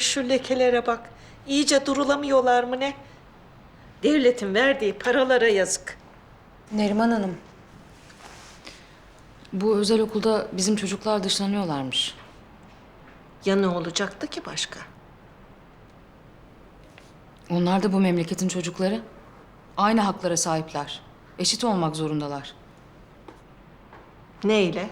şu lekelere bak. İyice durulamıyorlar mı ne? Devletin verdiği paralara yazık. Neriman Hanım. Bu özel okulda bizim çocuklar dışlanıyorlarmış. Ya ne olacaktı ki başka? Onlar da bu memleketin çocukları. Aynı haklara sahipler. Eşit olmak zorundalar. Neyle?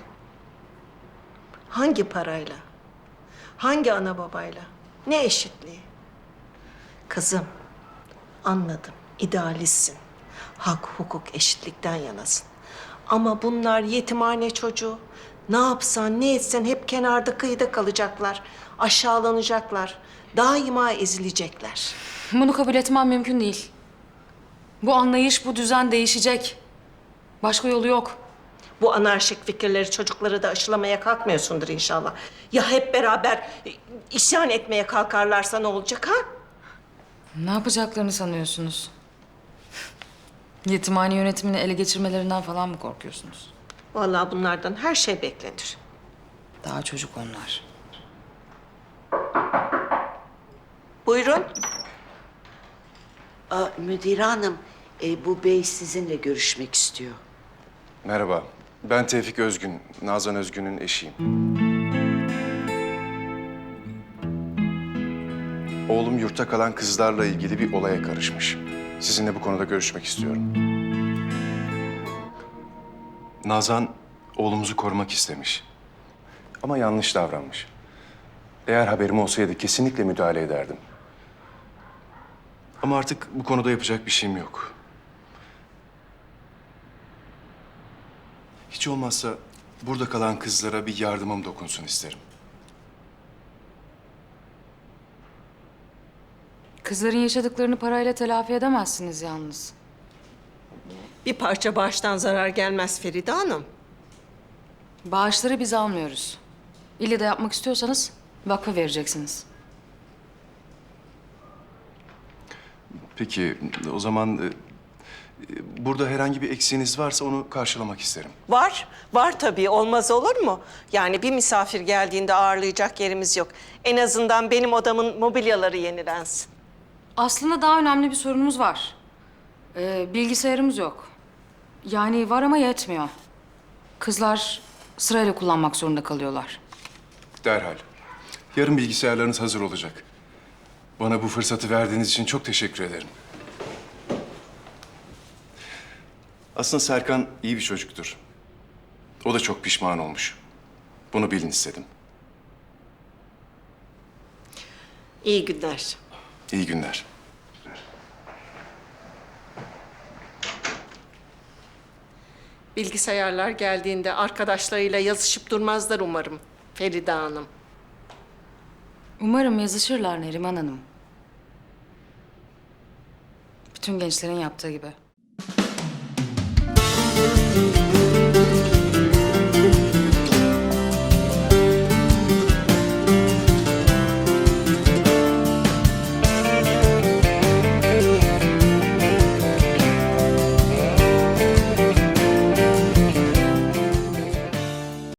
Hangi parayla? Hangi ana babayla? Ne eşitliği? Kızım, anladım. İdealistsin. Hak, hukuk, eşitlikten yanasın. Ama bunlar yetimhane çocuğu. Ne yapsan, ne etsen hep kenarda kıyıda kalacaklar. Aşağılanacaklar. Daima ezilecekler. Bunu kabul etmem mümkün değil. Bu anlayış, bu düzen değişecek. Başka yolu yok. Bu anarşik fikirleri çocuklara da aşılamaya kalkmıyorsundur inşallah. Ya hep beraber isyan etmeye kalkarlarsa ne olacak ha? Ne yapacaklarını sanıyorsunuz? Yetimhane yönetimini ele geçirmelerinden falan mı korkuyorsunuz? Vallahi bunlardan her şey beklenir. Daha çocuk onlar. Buyurun. Müdire hanım, bu bey sizinle görüşmek istiyor. Merhaba, ben Tevfik Özgün, Nazan Özgün'ün eşiyim. Oğlum yurtta kalan kızlarla ilgili bir olaya karışmış. Sizinle bu konuda görüşmek istiyorum. Nazan, oğlumuzu korumak istemiş. Ama yanlış davranmış. Eğer haberim olsaydı kesinlikle müdahale ederdim. Ama artık bu konuda yapacak bir şeyim yok. Hiç olmazsa burada kalan kızlara bir yardımım dokunsun isterim. Kızların yaşadıklarını parayla telafi edemezsiniz yalnız. Bir parça bağıştan zarar gelmez Feride Hanım. Bağışları biz almıyoruz. İlle de yapmak istiyorsanız vakfa vereceksiniz. Peki, o zaman burada herhangi bir eksiğiniz varsa onu karşılamak isterim. Var, var tabii. Olmaz olur mu? Yani bir misafir geldiğinde ağırlayacak yerimiz yok. En azından benim odamın mobilyaları yenilensin. Aslında daha önemli bir sorunumuz var. Bilgisayarımız yok. Yani var ama yetmiyor. Kızlar sırayla kullanmak zorunda kalıyorlar. Derhal. Yarın bilgisayarlarınız hazır olacak. Bana bu fırsatı verdiğiniz için çok teşekkür ederim. Aslında Serkan iyi bir çocuktur. O da çok pişman olmuş. Bunu bilin istedim. İyi günler. İyi günler. Bilgisayarlar geldiğinde arkadaşlarıyla yazışıp durmazlar umarım Feride Hanım. Umarım yazışırlar Neriman Hanım. Bütün gençlerin yaptığı gibi.